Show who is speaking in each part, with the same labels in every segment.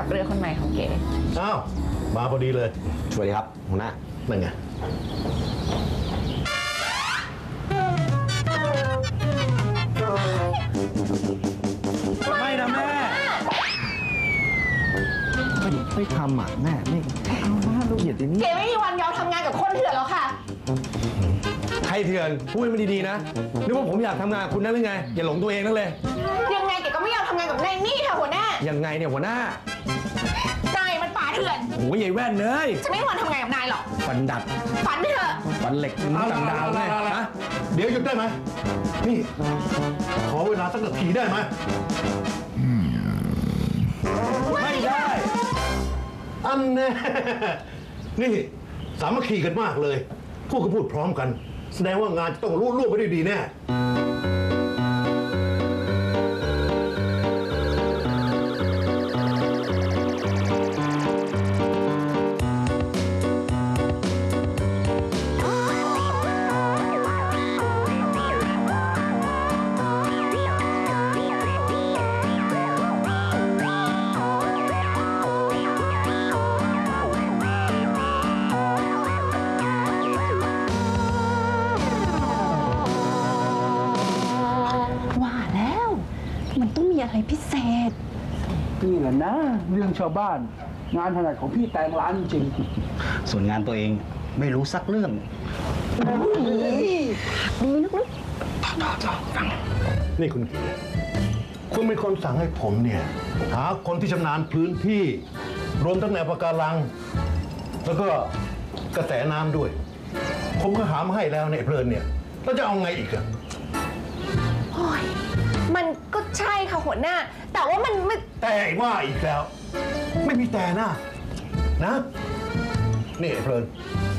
Speaker 1: เรือคนใหม่ของเก๋
Speaker 2: อ้าวมาพอดีเลย
Speaker 3: สวัสดีครับหัวหน้า
Speaker 2: นั่นไง
Speaker 3: ไม่นะแม่ไม่ทำอ่ะแม่ไม่เอาหน้าลูกเหยียดอย่างนี้
Speaker 1: เก๋ไม่มีวันยอมทำงานกับคนเถื่อนแล้วค่ะ
Speaker 3: ใครเถื่อนพูดให้มันดีๆนะนึกว่าผมอยากทำงานกับคุณนั่นหรือไงอย่าหลงตัวเองนั่นเลย
Speaker 1: ยังไงเก๋ก็ไม่ยอมทำงานกับนายนี่ค่ะหัวหน้า
Speaker 3: ยังไงเนี่ยหัวหน้า
Speaker 1: นายมันป่าเถื่อน
Speaker 3: โอ้ยใหญ่แว่นเลย
Speaker 1: จะไม่มีวันทำงานกับนายหรอก
Speaker 3: ฟันดัด
Speaker 1: ฝันไปเถอะ
Speaker 3: ฟันเหล็กต่างดาวเลยนะ
Speaker 2: เดี๋ยวหยุดได้ไหมนี่ขอเวลาสักนาทีได้ไหม
Speaker 3: ไม่ได้
Speaker 2: อันแน่นี่สามัคคีกันมากเลยพูดก็พูดพร้อมกันแสดงว่างานจะต้องรุ่งไปด้วยดีแน่
Speaker 1: อะไรพิเศษ
Speaker 4: นี่แหละนะเรื่องชาวบ้านงานถนัดของพี่แตงร้านจริง
Speaker 3: ส่วนงานตัวเองไม่รู้สักเรื่อง
Speaker 1: ดีลึก
Speaker 2: ๆฟังนี่คุณเป็นคนสั่งให้ผมเนี่ยหาคนที่ชำนาญพื้นที่รวมทั้งแนวปะการังแล้วก็กระแสน้ำด้วยผมก็หามาให้แล้วเนี่ยเพลินเนี่ยแล้วจะเอาไงอีกอะ
Speaker 1: มันก็ใช่ค่ะหัวหน้าแต่ว่ามันไม่
Speaker 2: แต่ว่าอีกแล้วไม่มีแต่นะนี่เพลิน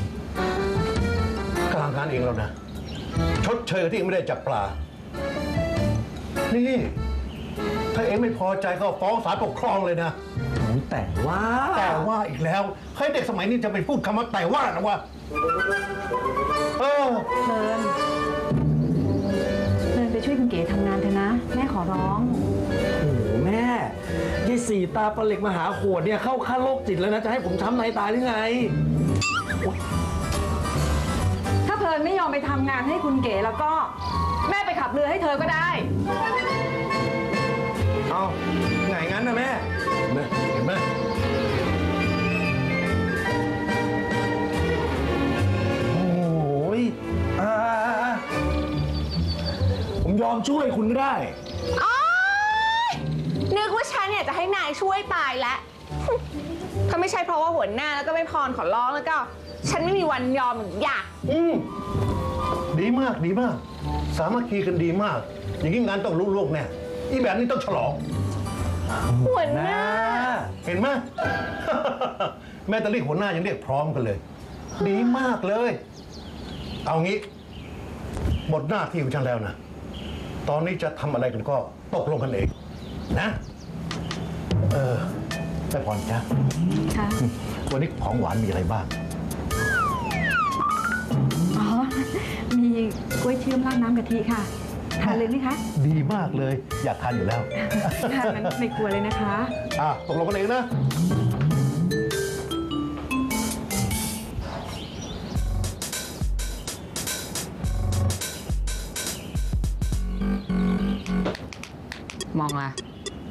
Speaker 2: กลางการเองแล้วนะชดเชยที่ไม่ได้จับปลานี่ถ้าเองไม่พอใจก็ฟ้องศาลปกครองเลยนะ
Speaker 3: แต่
Speaker 2: ว่าอีกแล้วใครเด็กสมัยนี้จะไปพูดคำว่าแต่ว่านะว่า
Speaker 1: เพลินไปช่วยคุณเก๋ทำงานเถอะนะแม่ขอร้อง
Speaker 3: โอ้โหแม่ยายสี่ตาปลาเหล็กมหาโขดเนี่ยเข้าขั้นโรคจิตแล้วนะจะให้ผมช้ำในตายหรือไง
Speaker 1: ถ้าเพลินไม่ยอมไปทำงานให้คุณเก๋แล้วก็แม่ไปขับเรือให้เธอก็ได้
Speaker 3: เอาไงงั้นนะแม่
Speaker 2: เห็นไหม
Speaker 3: โอ้ยผมยอมช่วยคุณก็ได้
Speaker 1: นึกว่าฉันเนี่ยจะให้นายช่วยตายแล้วถ้าไม่ใช่เพราะว่าหัวหน้าแล้วก็ไม่พรขอร้องแล้วก็ฉันไม่มีวันยอมหรืออยาก
Speaker 2: ดีมากสามัคคีกันดีมากอย่างนี้งานต้องรุ่งโรจน์แน่อีแบบนี้ต้องฉลอง
Speaker 1: หัวหน้า
Speaker 2: เห็นไหมแม่ตะลี่หัวหน้ายังเรียกพร้อมกันเลยดีมากเลยเอางี้หมดหน้าที่ของฉันแล้วนะตอนนี้จะทำอะไรกันก็ตกลงกันเองนะแม่พรจ๊ะวันนี้ของหวานมีอะไรบ้าง
Speaker 1: มีกล้วยเชื่อมราดน้ำกะทิค่ะทานเลยไหมคะ
Speaker 2: ดีมากเลยอยากทานอยู่แล้ว
Speaker 1: ทานนั้นไม่กลัวเลยนะคะ
Speaker 2: ตกลงกันเองนะ
Speaker 1: มองละ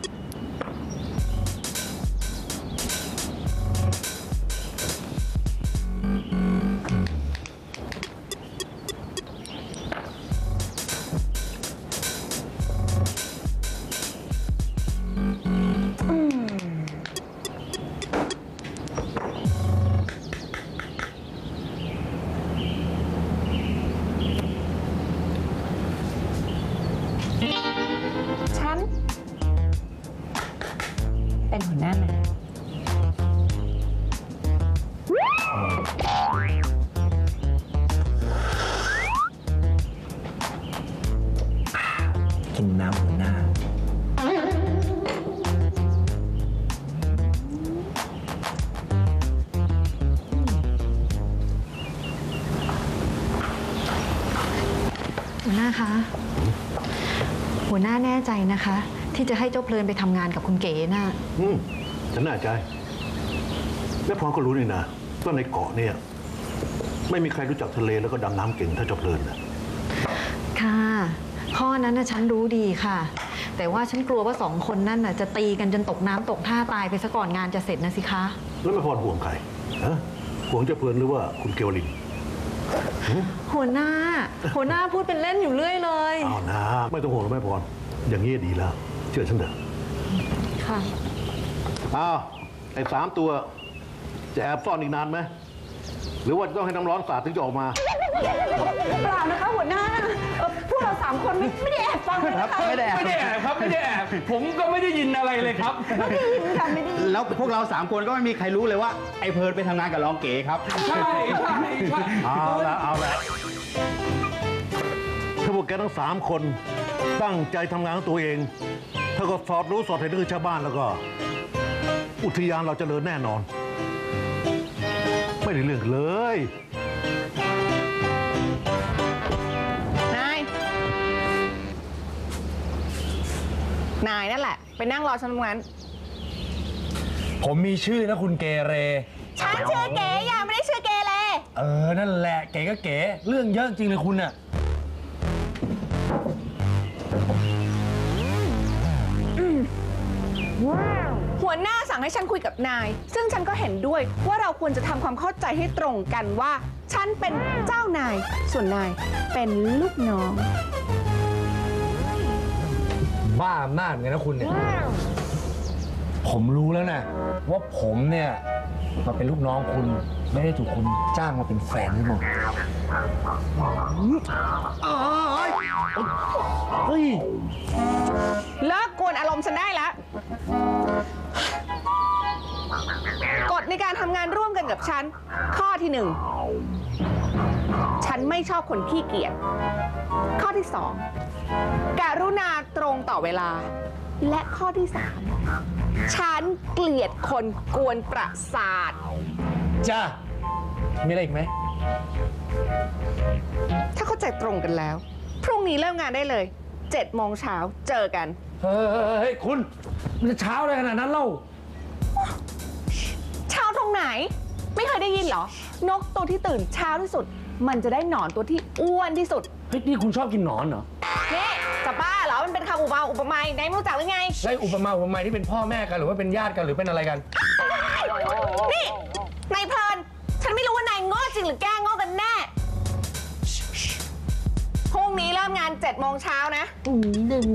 Speaker 1: เป็นหัวหน้านะ
Speaker 3: กินน้ำหัวหน้า
Speaker 5: หัวหน้าคะหัวหน้าแน่ใจนะคะที่จะให้เจ้าเพลินไปทำงานกับคุณเก๋น่ะ
Speaker 2: ฉันแน่ใจและพรก็รู้นี่นะว่าในเกาะเนี่ยไม่มีใครรู้จักทะเลแล้วก็ดำน้ำเก่งเท่าเจ้าเพลินนะ
Speaker 5: ค่ะข้อนั้นนะฉันรู้ดีค่ะ แต่ว่าฉันกลัวว่า2 คนนั่นน่ะจะตีกันจนตกน้ำตกท่าตายไปซะก่อนงานจะเสร็จนะสิคะ
Speaker 2: แล้วแม่พรห่วงใครฮะห่วงเจ้าเพลินหรือว่าคุณเกวลิน
Speaker 5: หัวหน้าพูดเป็นเล่นอยู่เรื่อยเลย
Speaker 2: เอานะไม่ต้องห่วงหรอกแม่พรอย่างนี้ดีแล้วเชื่อฉันเถอะ
Speaker 5: ค่ะ
Speaker 2: อ้าวไอ้3 ตัวจะแอบซ่อนอีกนานไหมหรือว่าจะต้องให้น้ำร้อนสาดถึงจะออกมา
Speaker 1: เปล่านะคะหัวหน้าพวกเรา3 คนไม่ได้แอบฟังเลยนะคะ
Speaker 3: ไม่ได้แอบครับไม่ได้แอบผมก็ไม่ได้ยินอะไรเลยครับ
Speaker 1: ไม่ได้ยินค่ะไม่ได้ยิน
Speaker 6: แล้วพวกเรา3 คนก็ไม่มีใครรู้เลยว่าไอ้เพิร์ดไปทำงานกับรองเก๋ครับ
Speaker 3: ใช่
Speaker 2: เอาละถ้าพวกแกทั้ง3 คนตั้งใจทำงานของตัวเอง ถ้าก็สอดรู้สอดเห็นคือชาวบ้านแล้วก็ อุทยานเราเจริญแน่นอน ไม่ได้เรื่องเลย
Speaker 1: นายนั่นแหละ ไปนั่งรอฉันตรงนั้น
Speaker 3: ผมมีชื่อนะคุณเกเร
Speaker 1: ฉันชื่อเก๋อย่าไม่ได้ชื่อเกเร
Speaker 3: นั่นแหละเก๋ก็เก๋เรื่องเยอะจริงเลยคุณน่ะ
Speaker 1: หัวหน้าสั่งให้ฉันคุยกับนาย ซึ่งฉันก็เห็นด้วยว่าเราควรจะทำความเข้าใจให้ตรงกันว่า ฉันเป็นเจ้านาย ส่วนนายเป็นลูกน้อง
Speaker 3: บ้าอำนาจไงนะคุณเนี่ย ผมรู้แล้วนะว่าผมเนี่ยมาเป็นลูกน้องคุณไม่ได้ถูกคุณจ้างมาเป็นแฟนหรือเปล่าเฮ้ย
Speaker 1: เลิกกวนอารมณ์ฉันได้แล้ว กฎในการทำงานร่วมกันกับฉัน ข้อที่ 1 ฉันไม่ชอบคนขี้เกียจ ข้อที่ 2 กรุณาตรงต่อเวลา และข้อที่ 3 ฉันเกลียดคนกวนประสาท
Speaker 3: จ้ามีอะไรอีกไหม
Speaker 1: ถ้าเข้าใจตรงกันแล้ว พรุ่งนี้เริ่มงานได้เลย 7 โมงเช้าเจอกัน
Speaker 3: เฮ้ยคุณมันจะเช้าอะไรขนาดนั้นเล่า
Speaker 1: เช้าตรงไหน ไม่เคยได้ยินเหรอ นกตัวที่ตื่นเช้าที่สุด มันจะได้หนอนตัวที่อ้วนที่สุด
Speaker 3: เฮ้ยนี่คุณชอบกินหนอนเหรอ
Speaker 1: นี่จะบ้าเหรอ มันเป็นคำอุปมาไหนไม่รู้จักหรือไง
Speaker 3: ใช่อุปมาที่เป็นพ่อแม่กันหรือว่าเป็นญาติกันหรือเป็นอะไรกัน
Speaker 1: นี่นายเพลิน ฉันไม่รู้ว่านายโง่จริงหรือแกล้งโง่กันแน่ พรุ่งนี้เริ่มงาน 7 โมงเช้านะ
Speaker 3: โอ้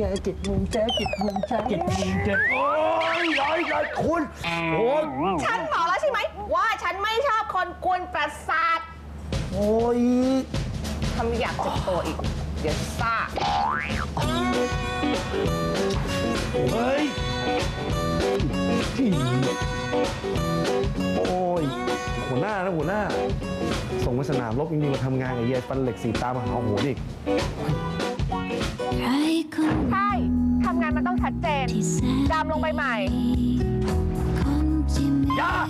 Speaker 3: ยย้อยคุณโอ้ย
Speaker 1: ฉันบอกแล้วใช่ไหม ว่าฉันไม่ชอบคนกวนประสาท
Speaker 3: โอ้ย
Speaker 1: ทำอยากเจ็บตัวอีก เดี๋ยวซ่า
Speaker 3: เฮ้ยโอ้ยหัวหน้านะหัวหน้า ส่งไปสนามรบจริงๆมาทำงานกับยายฟันเหล็ก4 ตามาหาหัวอีก
Speaker 1: ใช่ ทำงานมันต้องชัดเจน ดำลงไปใหม่
Speaker 3: อย่า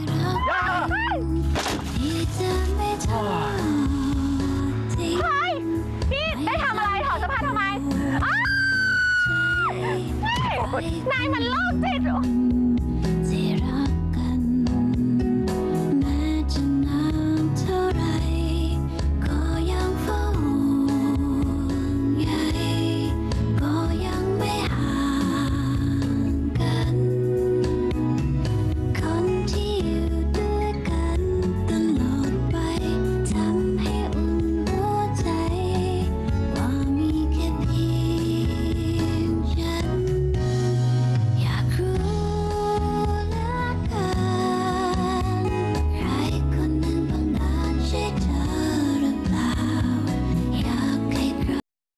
Speaker 1: เฮ้ย นี่ได้ทำอะไรถอดเสื้อผ้าทำไมอ้าวนายมันโรคจิต